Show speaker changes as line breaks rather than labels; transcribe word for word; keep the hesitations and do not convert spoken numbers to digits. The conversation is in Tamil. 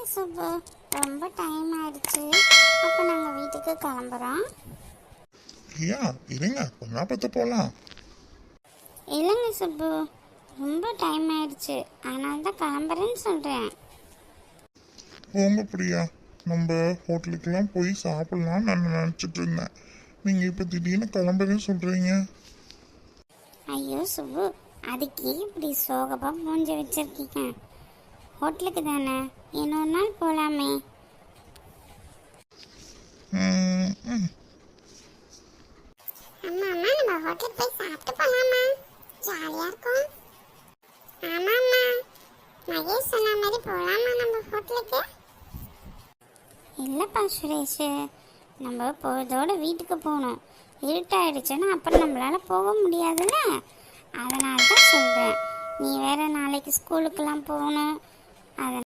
சுப்பு, ரொம்ப டைம் ஆயிடுச்சு. அப்போ நாங்கள் வீட்டுக்கு கிளம்புறோம்.
ஐயா இருங்க, கொஞ்ச பார்த்து போகலாம்.
இல்லைங்க சுப்பு, ரொம்ப டைம் ஆயிடுச்சு, அதனால தான் கிளம்புறேன்னு சொல்கிறேன்.
போங்க பிரியா, நம்ம ஹோட்டலுக்கெல்லாம் போய் சாப்பிடலாம்னு நான் நினச்சிட்டு இருந்தேன். நீங்கள் இப்போ திடீர்னு கிளம்புறேன்னு சொல்கிறீங்க.
ஐயோ சுப்பு, அதுக்கு இப்படி சோகமாக மூஞ்சி வச்சிருக்கீங்க. ஹோட்டலுக்கு தானே, இன்னொரு நாள் போகலாமே.
ம், ம்.
அம்மா அம்மா, நம்ம ஹோட்டலுக்கு போய் சாப்பிட்டு போகலாமா? ஜாலியாக இருக்கும். ஆமாம்மா, மகேஷ் சொன்ன மாதிரி போகலாமா நம்ம ஹோட்டலுக்கு? இல்லைப்பா சுரேஷ், நம்ம போகிறதோட வீட்டுக்கு போகணும். இருட்டாயிடுச்சுன்னா அப்புறம் நம்மளால் போக முடியாதுல்ல, அதனால தான் சொல்கிறேன். நீ வேற நாளைக்கு ஸ்கூலுக்கெல்லாம் போகணும். அதனால்